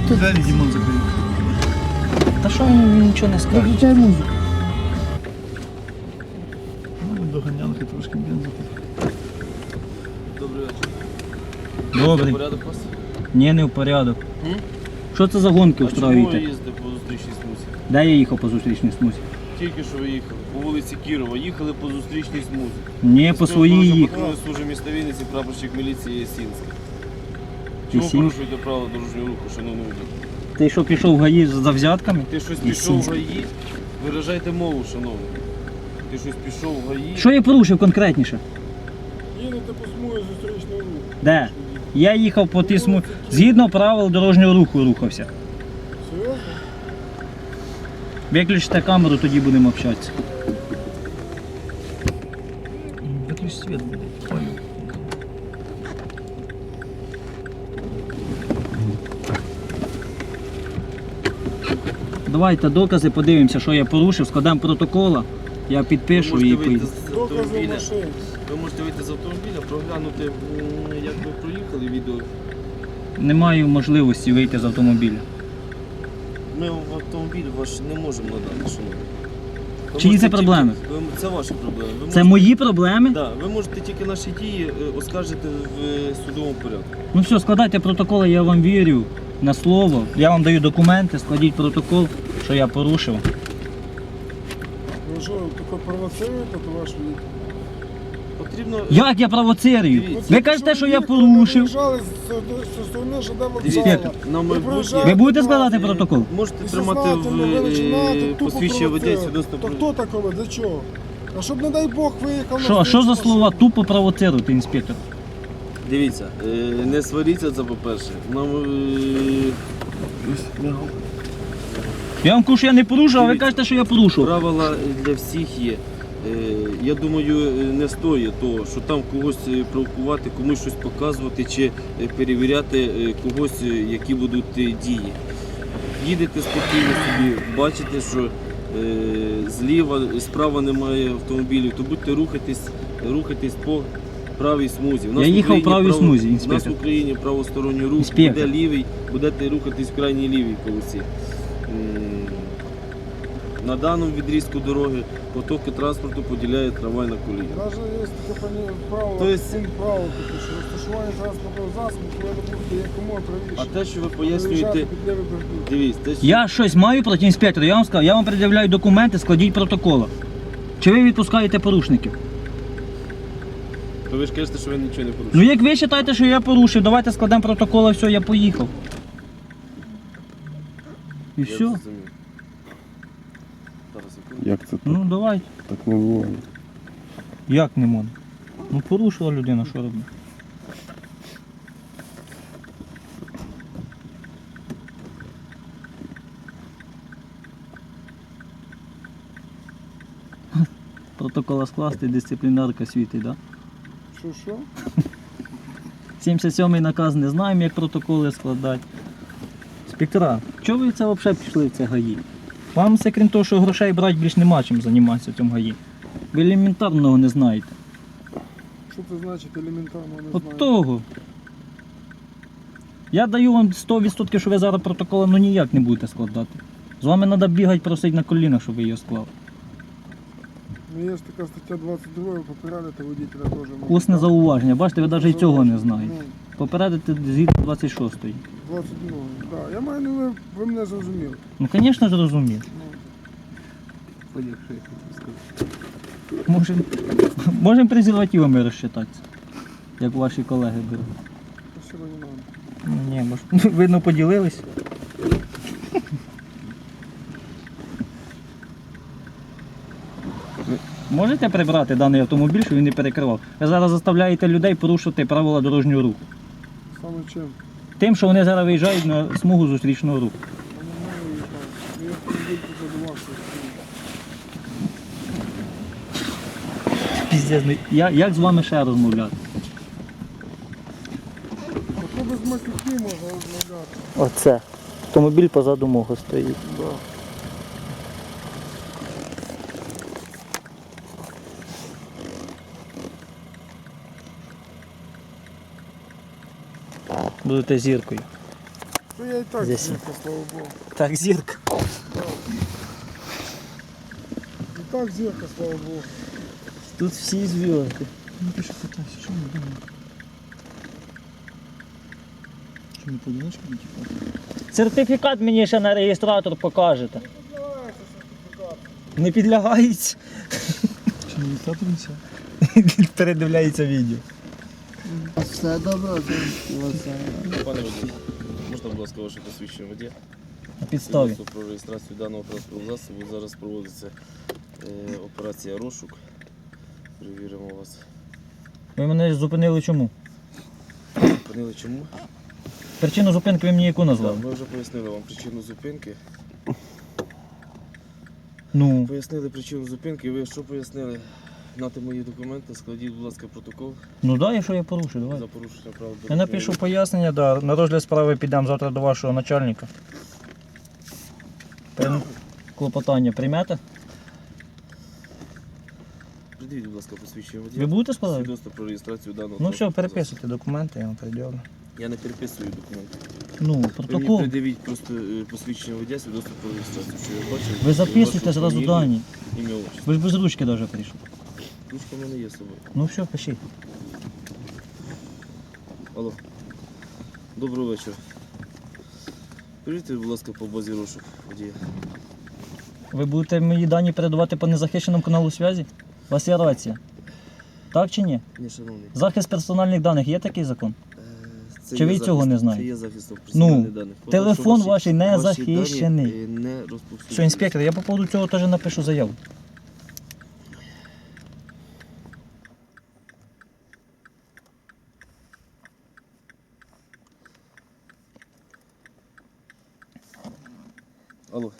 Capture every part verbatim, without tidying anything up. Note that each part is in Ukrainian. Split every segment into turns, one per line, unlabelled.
Двері Дімон закрив.
Та що він нічого не скаже?
Виключай музику.
Ну, доганянки трошки бензу.
Добрий вечір.
Добре.
Порядок у вас?
Ні, не в порядок.
М?
Що це за гонки
А чому ви
устроюєте?
їздите по зустрічній смузі?
Де я їхав по зустрічній смузі?
Тільки що ви їхали. По вулиці Кірова. Їхали по зустрічній смузі.
Ні, по своїй їхав.
Патрульної служби міста Вінниці, прапорщик міліції Ясінський. Чому
Ясінський?
порушуєте правила дорожнього руху, шановний водій?
Ти що пішов в ГАІ за взятками?
Ти щось
Ясінський.
пішов в ГАІ? Виражайте мову, шановний. Ти щось пішов в ГАІ?
Що я порушив конкретніше?
Їдете по смузі зустрічного руху.
Де? Я їхав по тій смузі. Згідно правил дорожнього руху рухався.
Серйозно?
Виключите камеру, тоді будемо общатися.
Виключ світ буде. Ой.
Давайте докази, подивимося, що я порушив, складемо протокола, я підпишу
Ви
і
можете вийти
поїду.
з
Докази
автомобіля.
машини.
Ви можете вийти з автомобіля, проглянути, м, як ви проїхали відео.
Не маю можливості вийти з автомобіля.
Ми в автомобіль ваш не можемо надати, шановні. Ви
Чиї
можете
це проблеми?
тільки- ви- Це ваші проблеми. Ви
Це
можете-
мої проблеми?
Да, ви можете тільки наші дії е, оскаржити в е, судовому порядку.
Ну все, складайте протоколи, я вам вірю на слово. Я вам даю документи, складіть протокол, що я порушив.
Ви що, таке провоцируєте, то ваш вік?
Потрібно.
Як я провоцирую?
Дивіться.
Ви кажете, що я порушив.
Ви виїжджали зі сторони ЖД вокзалу.
Інспектор,
на майбутнє.
проїжджаєте
Ви будете складати
Е,
протокол?
Можете
І
тримати в
сознательно ви
е,
починаєте тупо
посвідчення водія
провоцирувати.
свідоцтво
То
про.
хто такого? Для чого? А щоб, не дай Бог, виїхав
Що,
на
що за
зустріч
слова
машину.
тупо провоцируєте, інспектор?
Дивіться, е, не сваріться, це по-перше. Нам. е,
Я вам кажу, що я не порушив, а ви
Дивіться.
кажете, що я порушив.
Правила для всіх є. Е, Я думаю, е, не стоїть того, що там когось е, провокувати, комусь щось показувати чи е, перевіряти е, когось, е, які будуть е, дії. Їдете спокійно собі, бачите, що е, зліва, справа немає автомобілів, то будьте рухатись, рухатись по правій смузі. У нас
Я
в
їхав в
Україні
правій
право-
смузі,
У нас
інспектор.
в Україні правосторонній рух,
Інспектор.
буде лівий, будете рухатись в крайній лівій полосі. М, На даному відрізку дороги потоки транспорту поділяє трамвайна колія.
Навіть є таке пані- правило,
То есть-
пункт правил, таке, що розташування транспортного засобу повинно бути якомога
А
правіше.
те, що ви
Виїжджати
пояснюєте,
під лівий бордюр.
дивіться, те, що...
Я щось маю проти інспектора, я вам сказав, я вам пред'являю документи, складіть протоколи. Чи ви відпускаєте порушників?
то ви ж кажете, що ви нічого не
Ну
порушуєте.
як ви вважаєте, що я порушив, давайте складемо протокол, і все, я поїхав. І
Я
все.
зрозумів. Зараз, секунду.
Як це так?
Ну давайте.
Так не буває.
Як не можна? Ну порушила людина, що робить? Протокола скласти, дисциплінарка світить, так? Да?
Що, що?
сімдесят сьомий наказ не знаємо, як протоколи складати. Інспектора, чого ви це взагалі пішли в це ГАІ? Вам це, крім того, що грошей брати, більш нема чим займатися в цьому ГАІ. Ви елементарного не знаєте.
Що це значить елементарно, не
От
знаю.
того. Я даю вам сто відсотків, що ви зараз протоколи ну ніяк не будете складати. З вами треба бігати, просити на колінах, щоб ви його склали.
Ну, є ж така стаття двадцять два, попередити водителя теж. можна.
Усне зауваження. Бачите, ви навіть і цього не
Зауваження.
знаєте. Попередити згідно двадцять шостої.
Ну, двадцять два, так. Я маю, ну, ви, ви мене зрозуміли.
Ну, звісно ж, розумію.
Ну,
Можемо можем презервативами розчитатися, як ваші колеги беруть.
спасибо, не надо.
Ну, ні, може, видно, поділились. Ви можете прибрати даний автомобіль, щоб він не перекривав? Ви зараз заставляєте людей порушувати правила дорожнього руху.
Саме чим?
Тим, що вони зараз виїжджають на смугу зустрічного руху.
Я не знаю, їхав. Я автомобіль тут задувався.
Піздець, ну, я, як з вами ще розмовляти?
А то без матюки можна розмовляти.
Оце. Автомобіль позаду мого стоїть.
Да.
Будете зіркою.
То я и так
Здесь.
зірка, слава Богу.
Так, зірка.
И так зірка, слава Богу.
Тут всі зв'язки.
Ну пиши питайся, що ми думаємо? Що ми поодиночку не тікати?
Сертифікат мені ще на реєстратор покажете.
Відбувається сертифікат.
Не підлягається.
Чи не відстатується?
Передивляється відео.
Все добре, все.
Пане водій, можна, будь ласка, ваше посвідчення водія?
На підставі.
Свідоцтво про реєстрацію даного транспортного засобу. Зараз проводиться е, операція розшук. Перевіримо вас.
Ви мене зупинили чому?
Зупинили чому?
Причину зупинки ви мені яку
Так,
назвали?
ми вже пояснили вам причину зупинки.
Ну,
Пояснили причину зупинки. Ви що пояснили? Нати мої документи, складіть, будь ласка, протокол
ну да, якщо я порушу, давай.
за порушення прав.
Я напишу пояснення, да. На розгляд справи підемо завтра до вашого начальника. Прям клопотання приймете?
Придивіть, будь ласка, посвідчення водія.
Ви будете складати?
Свідоцтво про реєстрацію даного
Ну все,
транспортного
переписуйте документи, я вам переділю.
засобу. Я не переписую документи.
Ну,
Ви мені
протокол.
придивіть просто е, посвідчення водія, свідоцтво про реєстрацію. Що я бачив?
Ви записуйте
вашу
зразу
фамілію,
дані.
Ім'я, отчество.
Ви ж без ручки навіть прийшли.
Ручка в мене є з собою.
Ну все, пишіть.
Алло. Доброго вечора. Перевірте, будь ласка, по базі розшук водія.
Ви будете мої дані передавати по незахищеному каналу зв'язі? У вас є рація. Так чи ні?
Ні, шановний.
Захист персональних даних є такий закон?
Е, це
Чи
є
ви цього
захист-
не знаєте?
Це є захистом персональних даних. Фото,
телефон
що
ваш не
ваші
захищений.
дані, е, не розповсюджуються.
Що, інспектор, я по поводу цього теж напишу заяву.
Алло.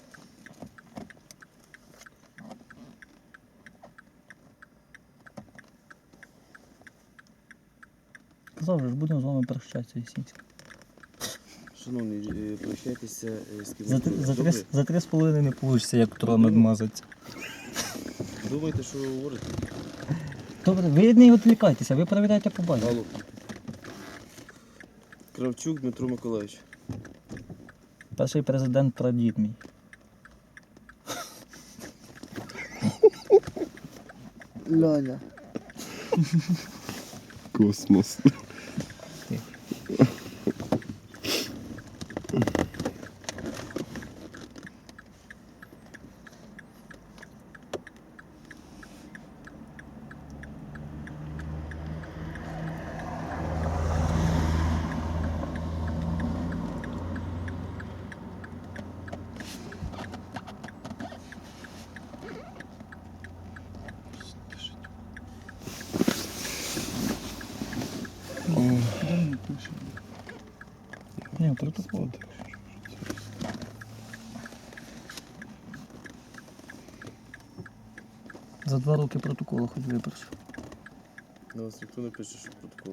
Казав же, ж будемо з вами прощатися, Єсінський.
Шановний, е, прощайтеся е, з ким.
За, три- за,
Добре?
три, за три з половиною не вийде, як трон надмазаться.
Думаєте, що ви говорите?
Добре, ви не відвлікайтеся, ви перевіряйте по базі.
Алло. Кравчук Дмитро Миколаївич.
Перший президент прадід мій.
Льоня.
Космос.
Де ми пишемо?
Ні, протокол. За два роки протоколу хоч випрошу.
На вас ніхто не пише, що протокол.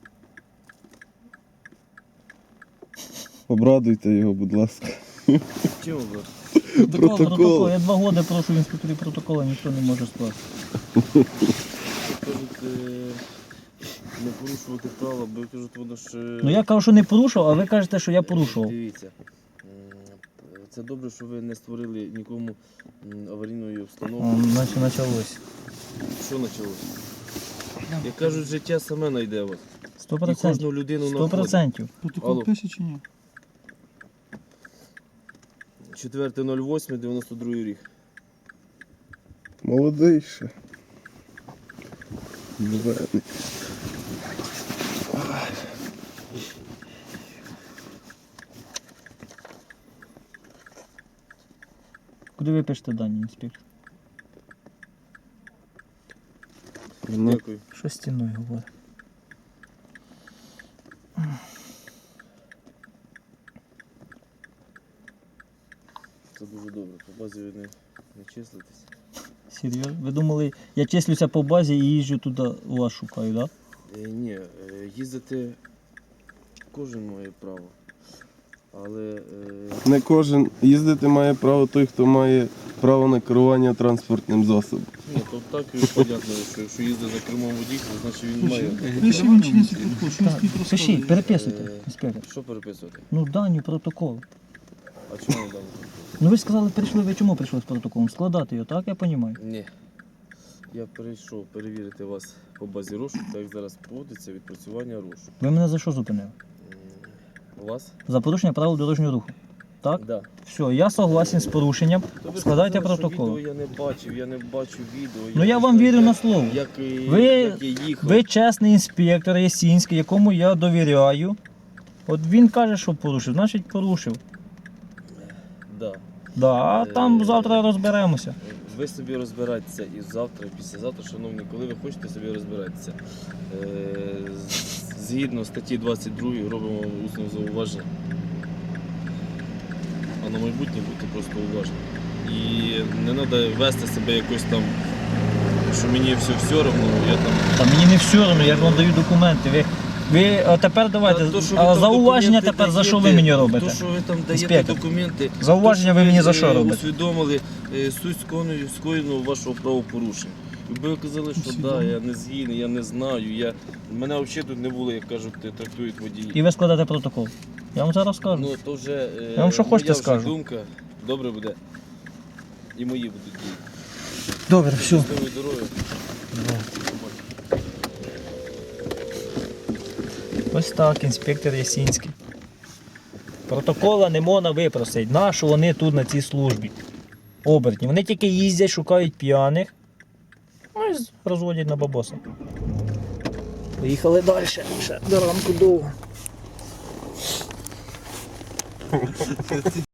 Обрадуйте його, будь ласка.
Чим ви?
Протокол,
Протокол.
протокол. Я два роки прошу в інспекторі протокола, ніхто не може скласти.
Кажуть, е, не порушувати права, бо кажуть, воно ж... е,
Ну я кажу, що не порушував, а ви кажете, що я порушував.
Дивіться, м, це добре, що ви не створили нікому м, аварійної
О,
обстановки.
наче почалось.
Що почалося? Як кажуть, життя саме знайде вас.
Сто
І
процентів.
кожну людину
Сто
знаходить.
процентів.
Протокол
Алло.
пише чи ні?
четверте ноль восьме дев'яносто другий рік.
Молодий ще. Зелений.
Куди ви пишете дані, інспектор?
Ну,
Дякую.
Що стіною говорить?
Це дуже добре. По базі ви не, не числитесь.
Серйозно? Ви думали, я числюся по базі і їжджу туди, вас шукаю, так? Да?
Е, ні, е, їздити кожен має право. Але е,
не кожен їздити має право той, хто має право на керування транспортним засобом.
ні, то Ну так і понятно, що якщо їздить за кермом водій, то значить він має.
Пиши він чи не протокол, що він
Так,
стоїть
пишіть,
розкладає.
переписуйте,
Е,
інспектор.
Що переписувати?
Ну, дані протокол.
А чому не дали?
Ну ви ж сказали, прийшли, ви чому прийшли з протоколом? Складати його, так я розумію?
Ні. Я прийшов перевірити вас по базі розшуку, так як зараз проводиться відпрацювання розшуку.
Ви мене за що зупинили?
М, Вас?
За порушення правил дорожнього руху. Так?
Да.
Все, я согласен з порушенням.
То ви
Складайте
сказали, що
протокол.
Відео я не бачив, я не бачу відео.
Ну я
не
вам
знаю,
вірю
як-
на слово.
Як, і-
Ви-
як я їхав.
Ви чесний інспектор Ясінський, якому я довіряю. От він каже, що порушив, значить порушив.
Да.
Да, а там
Е,
завтра розберемося.
Ви собі розбирайтеся і завтра, і післязавтра, шановні, коли ви хочете собі розбиратися. Е, з- Згідно статті двадцять другої робимо вам усне зауваження. А на майбутнє будьте просто уважні. І не треба вести себе якось там, що мені все все одно, я там.
Та мені не все одно, я ж вам даю документи. Ви, ви а тепер давайте,
Та то, що ви
а
там
зауваження
документи
тепер за що ви
даєте,
мені робите?
То, що ви там даєте
Інспектор.
документи,
Зауваження
то,
ви мені за
е,
що робите?
усвідомили е, суть скоєного- скоєного вашого правопорушення. Якби ви казали, що так, да, я не згідний, я не знаю, я... мене взагалі тут не було, як кажуть, трактують водії.
І ви складете протокол. Я вам зараз скажу.
Ну, то вже, е,
Я вам що
моя
хочете
вже
скажу.
думка, добре буде. І мої будуть дії.
Добре, все.
Щасливої дороги.
Ось так, інспектор Ясінський. Протокола не можна випросити. Нащо вони тут на цій службі? Обертні. Вони тільки їздять, шукають п'яних. Ну і розводять на бабоса. Поїхали далі. Ще до ранку довго.